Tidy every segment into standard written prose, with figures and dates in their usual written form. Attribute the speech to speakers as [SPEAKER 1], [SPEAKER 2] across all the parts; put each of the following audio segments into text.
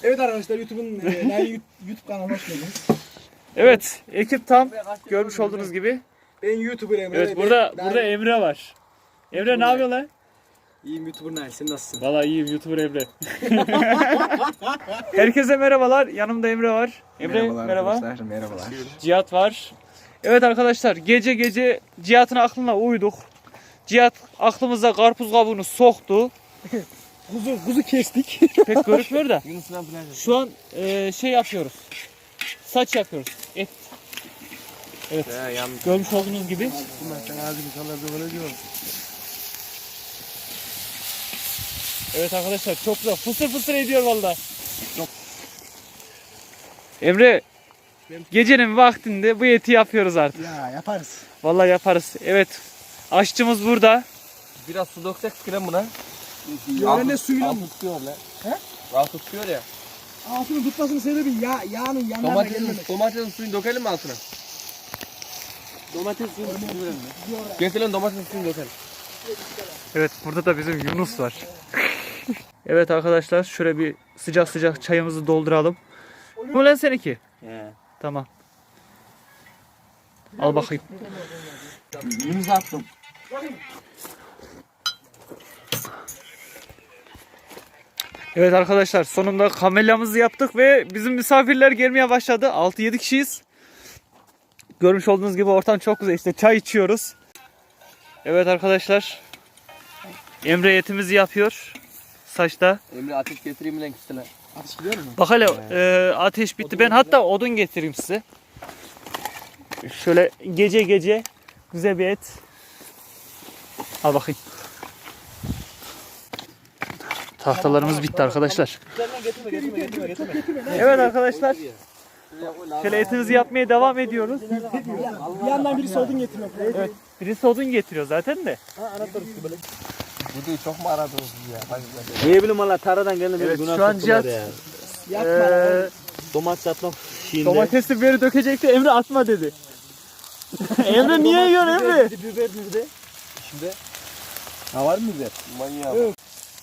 [SPEAKER 1] Evet arkadaşlar YouTube'un YouTube kanalına hoş geldiniz.
[SPEAKER 2] Evet, ekip tam görmüş olduğunuz gibi.
[SPEAKER 1] Ben YouTuber Emre.
[SPEAKER 2] Evet, burada Emre var. Emre ne yapıyor lan?
[SPEAKER 1] İyiyim YouTuber Nail, sen nasılsın?
[SPEAKER 2] Vallahi iyiyim, YouTuber Emre. Herkese merhabalar. Yanımda Emre var. Emre merhaba.
[SPEAKER 1] Arkadaşlar, merhabalar.
[SPEAKER 2] Cihat var. Evet arkadaşlar, gece Cihat'ın aklına uyduk. Cihat aklımıza karpuz kabuğunu soktu.
[SPEAKER 1] Kuzu kestik.
[SPEAKER 2] Pek görükmüyor da. Şu an şey yapıyoruz. Saç yapıyoruz. Et. Evet. Görmüş olduğunuz gibi. Evet arkadaşlar, çok güzel. Fısır fısır ediyor vallahi. Emre, gecenin vaktinde bu eti yapıyoruz artık.
[SPEAKER 1] Ya yaparız.
[SPEAKER 2] Vallahi yaparız. Evet. Aşçımız burada.
[SPEAKER 3] Biraz su döksek sıkılan buna.
[SPEAKER 1] Yörende suyla mı?
[SPEAKER 3] Altı tutuyor lan.
[SPEAKER 1] He?
[SPEAKER 3] Altı tutuyor ya.
[SPEAKER 1] Altını tutmasının sebebi yağının yanlarına gelmemek.
[SPEAKER 3] Domatesin suyunu dökelim mi altına? Domates suyunu dökelim mi? Getirin domatesin suyunu dökelim.
[SPEAKER 2] Evet, burada da bizim Yunus var. Evet arkadaşlar, şöyle bir sıcak çayımızı dolduralım. Bu lan seninki?
[SPEAKER 3] He.
[SPEAKER 2] Tamam. Al bakayım.
[SPEAKER 3] Yunus attım.
[SPEAKER 2] Evet arkadaşlar, sonunda kamelyamızı yaptık ve bizim misafirler gelmeye başladı. 6-7 kişiyiz. Görmüş olduğunuz gibi ortam çok güzel. İşte çay içiyoruz. Evet arkadaşlar, Emre etimizi yapıyor. Saçta.
[SPEAKER 3] Emre ateş getireyim lan kistine.
[SPEAKER 1] Ateş gidiyor mu?
[SPEAKER 2] Bak hele ateş bitti. Ben hatta odun getireyim size. Şöyle gece güzel bir et. Al bakayım. Tahtalarımız bitti arkadaşlar. Evet arkadaşlar. Şöyle etimizi yapmaya devam ediyoruz.
[SPEAKER 1] Bir yandan birisi odun getiriyor.
[SPEAKER 2] Evet. Birisi odun getiriyor zaten de.
[SPEAKER 3] Bu değil çok mu aradınız ya?
[SPEAKER 4] Ne bileyim valla taradan geldim.
[SPEAKER 2] Evet, şu an Cihat
[SPEAKER 4] Domates atmak şeyinde.
[SPEAKER 2] domatesi biberi dökecekti. Emre atma dedi. Emre niye yiyorsun Emre?
[SPEAKER 4] Biber nerede?
[SPEAKER 3] Şimdi
[SPEAKER 4] Ha var mı biber?
[SPEAKER 3] manyak.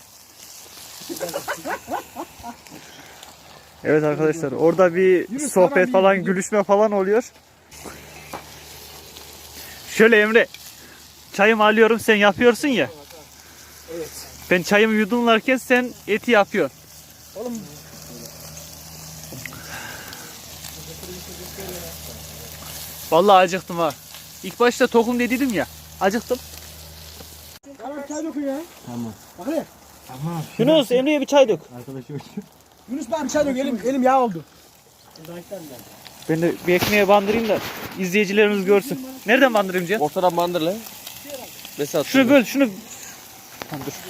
[SPEAKER 2] Evet arkadaşlar, orada bir sohbet falan, gülüşme falan oluyor. Şöyle Emre, çayımı alıyorum, sen yapıyorsun ya.
[SPEAKER 1] Evet.
[SPEAKER 2] Ben çayımı yudumlarken sen eti yapıyorsun.
[SPEAKER 1] Oğlum
[SPEAKER 2] Vallahi acıktım ha. İlk başta tokum dediydim ya. Acıktım.
[SPEAKER 1] bana bir çay dökün ya.
[SPEAKER 4] Tamam.
[SPEAKER 1] Bak hele.
[SPEAKER 4] Tamam.
[SPEAKER 2] Yunus, Emre'ye bir çay dök.
[SPEAKER 4] Arkadaşım.
[SPEAKER 1] Yunus bana bir çay dök. Elim yağ oldu.
[SPEAKER 2] Ben de bir ekmeğe bandırayım da izleyicilerimiz görsün. Nereden bandırayım Cihat?
[SPEAKER 3] Ortadan bandır lan. Mesela
[SPEAKER 2] Şunu böl, şunu. Tamam, dur.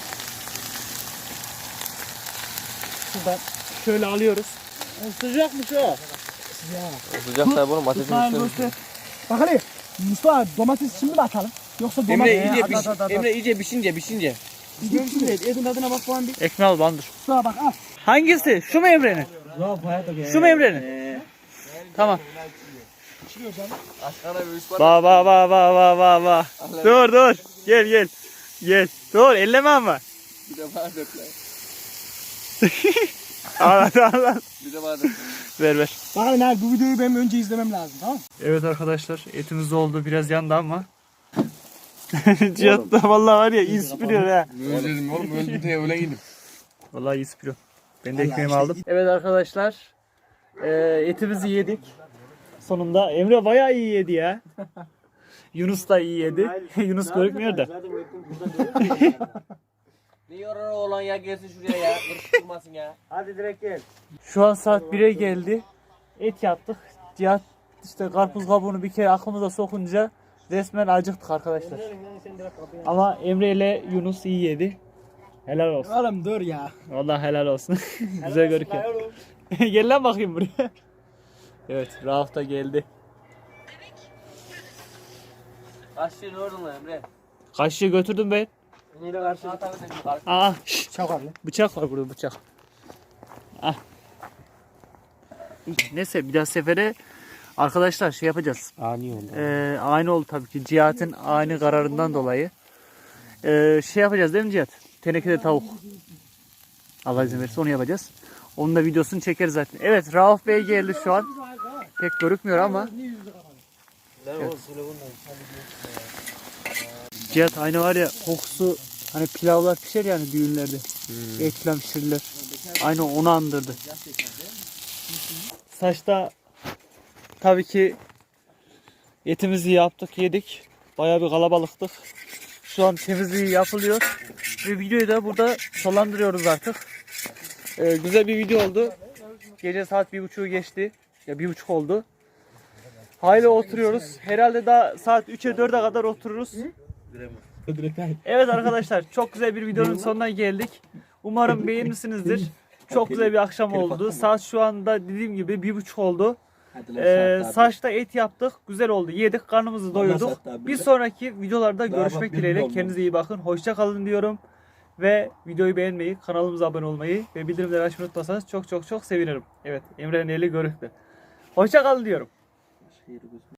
[SPEAKER 2] Şuradan şöyle alıyoruz.
[SPEAKER 1] Sıcakmış o. Ya.
[SPEAKER 3] sıcak tabi oğlum ateşin üstüne.
[SPEAKER 1] Bak hele. Mustafa domates şimdi mi atalım? Yoksa domates.
[SPEAKER 3] Emre iyice piş. Emre iyice pişince.
[SPEAKER 1] Edin tadına bak falan bir.
[SPEAKER 2] Ekmeği al, bandır.
[SPEAKER 1] Mustafa bak al.
[SPEAKER 2] Hangisi? Şu mu Emre'nin? Şu mu Emre'nin? Tamam.
[SPEAKER 3] Aşkına bir üst var.
[SPEAKER 2] Ba. Dur. Gel. Dur, elleme ama.
[SPEAKER 3] Bir de bana dök lan.
[SPEAKER 2] Al.
[SPEAKER 3] Bir de bana dök.
[SPEAKER 2] Ver.
[SPEAKER 1] Bak hele Nail, bu videoyu benim önce izlemem lazım, tamam mı?
[SPEAKER 2] Evet arkadaşlar, etimiz oldu, biraz yandı ama. Cihat da vallahi var ya, iyi süpürüyor ha.
[SPEAKER 3] Özledim oğlum öldüm diye öyle gidip.
[SPEAKER 2] Vallahi iyi süpürüyor. Ben de
[SPEAKER 1] Vallahi
[SPEAKER 2] ekmeğimi
[SPEAKER 1] işte
[SPEAKER 2] aldım. Evet arkadaşlar, etimizi yedik. Sonunda Emre bayağı iyi yedi ya. Yunus da iyi yedi. Yunus görükmüyor da.
[SPEAKER 3] Ne yorar oğlan ya gelsin şuraya ya. Kırıştırmasın ya.
[SPEAKER 4] Hadi direkt gel.
[SPEAKER 2] Şu an saat 1'e geldi. Et yaptık. Cihat işte karpuz kabuğunu bir kere aklımıza sokunca resmen acıktık arkadaşlar. Ama Emre ile Yunus iyi yedi. Helal olsun.
[SPEAKER 1] Oğlum dur ya.
[SPEAKER 2] Vallahi helal olsun. Güzel görünüyor. Gel lan bakayım buraya. Evet, Rauf da geldi.
[SPEAKER 3] Kaçtın oradan lan Emre.
[SPEAKER 2] Kaşığı götürdüm ben.
[SPEAKER 3] Neyle karşı?
[SPEAKER 2] Aa,
[SPEAKER 1] Çakar lan.
[SPEAKER 2] bıçak var burada, bıçak. Ah. Neyse, bir daha sefere arkadaşlar şey yapacağız.
[SPEAKER 4] Ani oldu.
[SPEAKER 2] Aynı oldu tabii ki. Cihat'ın aynı kararından dolayı. Şey yapacağız değil mi Cihat? Tenekede tavuk. Allah izin verirse onu yapacağız. Onun da videosunu çekeriz zaten. Evet, Rauf Bey geldi şu an. Pek görükmüyor ama. Cihat aynı var ya, kokusu hani pilavlar pişer yani düğünlerde. Et falan pişirirler. Aynı onu andırdı. Saçta tabii ki etimizi yaptık, yedik. Bayağı bir kalabalıktık. Şu an temizliği yapılıyor. Ve videoyu da burada sonlandırıyoruz artık. Güzel bir video oldu. Gece saat 1.30'u geçti. Ya 1.30 oldu. Hayli oturuyoruz. Herhalde daha saat 3'e 4'e kadar otururuz. Evet arkadaşlar, çok güzel bir videonun sonuna geldik. Umarım beğenmişsinizdir. Çok güzel bir akşam oldu. Saat şu anda dediğim gibi 1.30 oldu. Saçta et yaptık. Güzel oldu. Yedik, karnımızı doyurduk. Bir sonraki videolarda görüşmek dileğiyle. Kendinize iyi bakın. Hoşça kalın diyorum. Ve videoyu beğenmeyi, kanalımıza abone olmayı ve bildirimleri açmayı unutmasanız çok çok çok sevinirim. Evet, Emre'nin eli görüktü. Hoşça kalın diyorum.